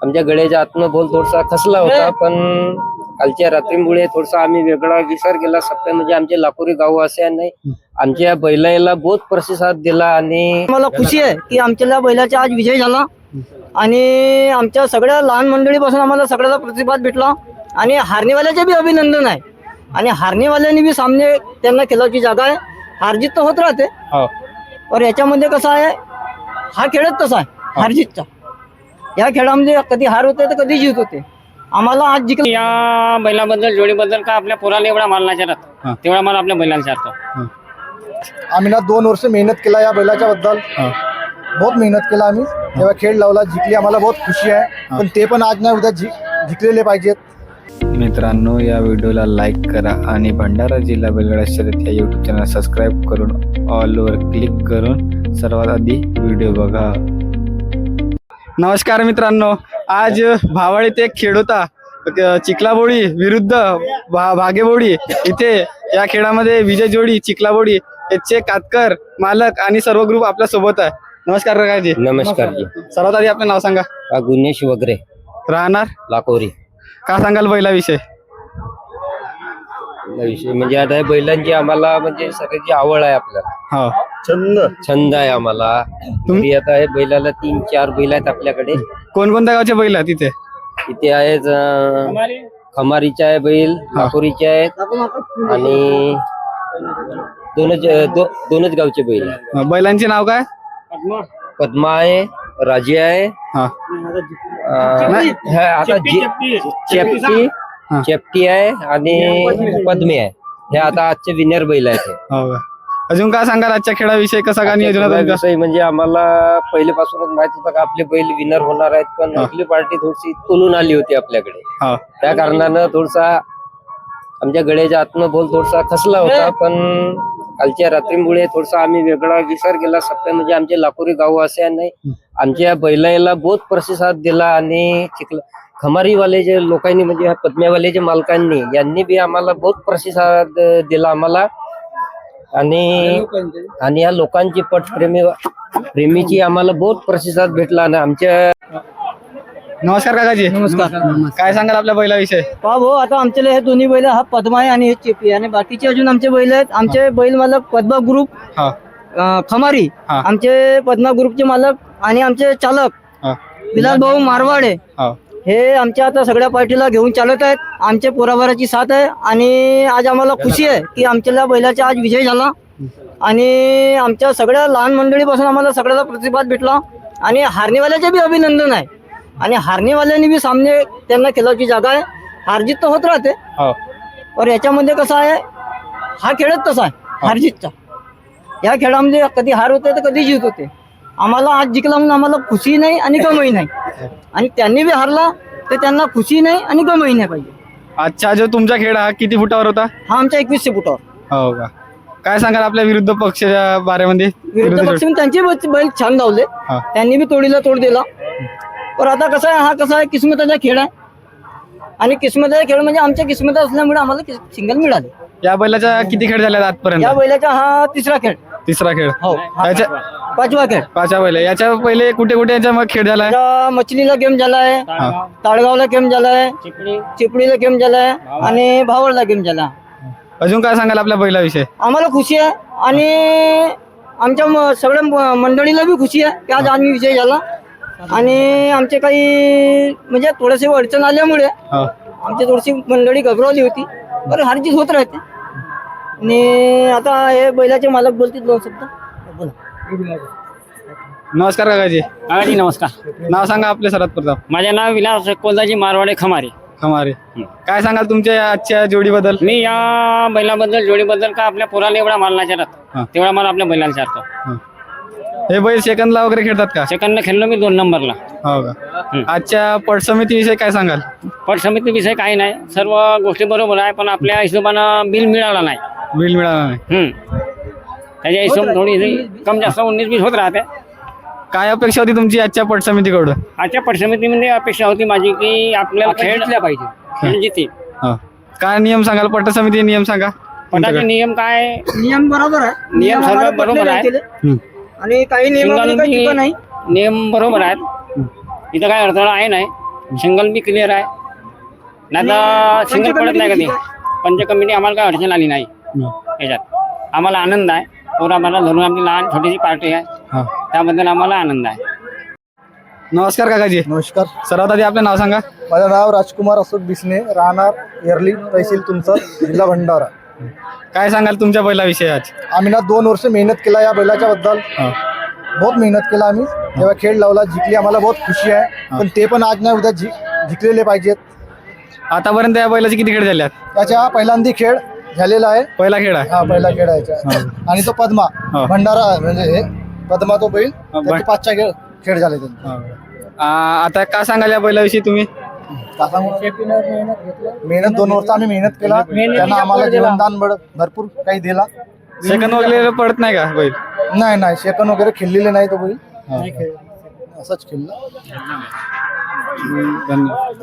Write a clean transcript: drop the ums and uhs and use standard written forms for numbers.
आमच्या गळ्याच्या आतनं बोल थोडासा खसला होता, पण कालच्या रात्रीमुळे थोडासा आम्ही वेगळा विचार केला. सप्त्या म्हणजे आमचे लाकोरी गाव असे नाही, आमच्या बैलाला बहुत प्रतिसाद दिला आणि मला खुशी आहे की आमच्या बैलाचा आज विजय झाला आणि आमच्या सगळ्या लहान मंडळीपासून आम्हाला सगळ्याला प्रतिसाद भेटला आणि हारणीवाल्याचे बी अभिनंदन आहे. आणि हारणीवाल्यांनी बी सामने त्यांना खेळायची जागा आहे. हारजीत तर होत राहते, पण याच्यामध्ये कसं आहे, हा खेळच तसा आहे हारजीतचा. या खेळामध्ये कधी हार होते तर कधी जीत होते. आम्हाला आज जिंकलं. या बैलाबद्दल जोडीबद्दल का आपल्या पोराला एवढा माल नाही चालत, तेवढा माल आपल्या बैलाला चालतो. आम्ही ना 2 वर्ष मेहनत केला या बैलाच्या बद्दल, बहुत मेहनत केला आम्ही. तेव्हा खेळ लावला, जिंकली, आम्हाला बहुत खुशी आहे. पण ते पण आज नाही उद्या जिंकलेले पाहिजेत. मित्रांनो, या व्हिडिओला लाईक करा आणि भंडारा जिल्हा बैलगाडा शर्यत या यूट्यूब चॅनल सबस्क्राईब करून ऑलवर क्लिक करून सर्वात आधी व्हिडिओ बघा. नमस्कार मित्रांनो, आज भावळ येथे खेळ होता. चिखलाबोडी विरुद्ध भागेबोडी इथे. या खेळामध्ये विजय जोडी चिखलाबोडी याचे कातकर मालक आणि सर्व ग्रुप आपल्या सोबत आहे. नमस्कार काकाजी. नमस्कार जी. सर्वात आधी आपलं नाव सांगा. गुन्हेश वगैरे, राहणार लाकोरी. का सांगाल बैलाविषयी? विषय म्हणजे आता हे बैलांची आम्हाला म्हणजे सगळ्याची आवड आहे आपल्याला, हो, छंद आहे आम्हाला. तुम्ही आता हे बैलाला 3-4 बैल आहेत आपल्याकडे. कोणकोणत्या गावचे बैल आहेत तिथे? इथे आहेत खमारीचे आहे बैल, लाकोरीचे आहेत आणि दोनच गावचे बैल आहे. बैलांचे नाव काय? पद्मा आहे, राजी आहे, हा, आता चेपटी आहे आणि पद्मे आहे. हे आता आजचे विनर बैल आहेत. हो का? अजून काय सांगाल आजच्या खेळाविषयी? कसं का नियोजन होतं? विषय म्हणजे आम्हाला पहिलेपासूनच माहित होतं का आपले बैल विनर होणार आहेत, पण आपली पार्टी थोडीशी तोलून आली होती आपल्याकडे. हो, त्या कारणानं थोडासा आमच्या गळ्याच्या आतनं बोल थोडासा खसला होता, पण कालच्या रात्रीमुळे थोडासा आम्ही वेगळा विचार केला. सप्त्या म्हणजे आमचे लाकोरी गाव असे नाही, आमच्या बैलाला बहुत प्रतिसाद दिला आणि खमारीवाले जे लोकांनी म्हणजे पद्म्यावाले जे मालकांनी यांनी बी आम्हाला बहुत प्रतिसाद दिला आम्हाला. आणि या लोकांची प्रेमीची आम्हाला बहुत प्रतिसाद भेटला. आणि आमच्या नमस्कार काकाजी. नमस्कार. काय सांगाल आपल्या बैलाविषयी? पहा भाऊ, आता आमच्याला हे दोन्ही बैल, हा पद्मा आहे आणि हे चेपी आहे आणि बाकीचे अजून आमचे बैल आहेत. आमचे बैल मालक पद्मा ग्रुप, हा, खमारी, हा, आमचे पद्मा ग्रुपचे मालक आणि आमचे चालक हा, विलास भाऊ मारवाडे, हा. हे आमच्या आता सगळ्या पार्टीला घेऊन चालत आहेत. आमचे पोराबाराची साथ आहे आणि आज आम्हाला खुशी आहे की आमच्या बैलाचा आज विजय झाला आणि आमच्या सगळ्या लहान मंडळीपासून आम्हाला सगळ्याला प्रतिसाद भेटला आणि हारणीवाल्याचे बी अभिनंदन आहे. आणि हारणीवाल्यांनी बी सामने त्यांना खेळायची जागा आहे. हारजीत तर होत राहते, पण याच्यामध्ये कसं आहे, हा खेळच तसा आहे हारजीतचा. या खेळामध्ये कधी हार होते तर कधी जीत होते. आम्हाला आज जिंकला म्हणून आम्हाला खुशी नाही आणि गमही नाही. आणि त्यांनी बी हारला तर त्यांना खुशी नाही आणि गमही नाही पाहिजे. आजचा जो तुमचा खेळ हा किती फुटावर होता? हा आमच्या 2100 फुटावर. हो का? काय सांगाल आपल्या विरुद्ध पक्षाच्या बारेमध्ये? विरुद्ध पक्ष त्यांचे बैल छान धावले, हा. त्यांनी बी तोडीला तोड दिला. पण आता कसं आहे, हा कसा आहे, किस्मताचा खेळ आहे आणि किस्मताचा खेळ म्हणजे आमच्या किस्मत असल्यामुळे आम्हाला सिंगल मिळाले. या बैलाच्या किती खेळ झाले आजपर्यंत? या बैलाचा हा तिसरा खेळ. तिसरा खेळ. हो, याच्या 5वा खेळ. 5 बैल. याच्या पहिले कुठे कुठे याचा मग खेळ झालाय? आता मछलीला गेम झालाय, ताळगावला गेम झालाय, चिपळीला गेम झालाय आणि भावडला गेम झाला. अजून काय सांगाल आपल्या बैलाविषयी? आम्हाला खुशी आहे आणि आमच्या सगळ्या मंडळीला बी खुशी आहे की आज आम्ही विजय झाला. आणि आमचे काही म्हणजे थोडेसे अडचण आल्यामुळे आमची थोडीशी मंडळी घबरवली होती, बरं हारजीत होत राहते. आणि आता हे बैलाचे मालक बोलतील 2 शब्द. बोला. नमस्कार काकाजी. काकाजी नमस्कार. नाव सांगा आपले सर्वात प्रथम. माझे नाव विलास कोलदाजी मारवाडे खमारी. खमारे. काय सांगाल तुमच्या आजच्या जोडीबद्दल? मी या बैलाबद्दल जोडीबद्दल का आपल्या पोराला एवढा माल नाही चालत, तेवढा माल आपल्या बैलाला चालतो. हे बैल सेकंदला वगैरे खेळतात का? सेकंडला खेळलो मी 2 नंबरला. हो का? आजच्या पट समितीविषयी काय सांगाल? पट समिती विषय काही नाही, सर्व गोष्टी बरोबर आहे, पण आपल्या हिशोबानं बिल मिळाला नाही. बिल मिळाला नाही. त्याच्या हिशोब थोडी कम जास्त 19-20 होत राहते. काय अपेक्षा होती तुमची आजच्या पट समितीकडून? आजच्या पट समितीमध्ये अपेक्षा होती माझी की आपल्याला खेळ पाहिजे, खेळ जिथे. काय नियम सांगाल? पट समिती नियम सांगा. पटाचे नियम काय? नियम बरोबर आहे, नियम सर्व बरोबर आहे आणि काही नियम नाही. नियम बरोबर आहेत, इथं काय अडथळा आहे नाही. सिंगल बी क्लिअर आहे नाही तर सिंगल पडत नाही कधी. पंच कमिटी आम्हाला काय अडचण आली नाही याच्यात. आम्हाला आनंद आहे. पोरा मला धरून आमची लहान छोटीशी पार्टी आहे, हा. त्याबद्दल आम्हाला आनंद आहे. नमस्कार काकाजी. नमस्कार. सर्वात आधी आपलं नाव सांगा. माझं नाव राजकुमार अशोक बिसने, राहणार एरली, तहसील तुमसर, जिल्हा भंडारा. काय सांगाल तुमच्या बैलाविषयी आज? आम्ही ना 2 वर्ष मेहनत केला या बैलाच्या बद्दल. बहुत मेहनत केला आम्ही. तेव्हा खेळ लावला, जिंकली, आम्हाला बहुत खुशी आहे. पण ते पण आज नाही उद्या जिंकलेले पाहिजेत. आतापर्यंत या बैलाचे किती खेळ झाले? त्याच्या पहिल्यांदा खेळ झालेला आहे. पहिला खेळ आहे. हा, पहिला खेळ आहे याचा. आणि तो पद्मा भंडारा म्हणजे हे पद्मा तो बैल, त्याचे 5 खेळ झाले त्यांचे. आता काय सांगाल या बैलाविषयी तुम्ही? का सांगू? मेहनत 2 वर्ष आम्ही मेहनत केला. त्यांना आम्हाला जीवनदान भरपूर काही दिला. सेकंद वगैरे पडत नाही का बैल? नाही सेकंद वगैरे खेळलेले नाही तो बैल. असंच खेळला. धन्यवाद.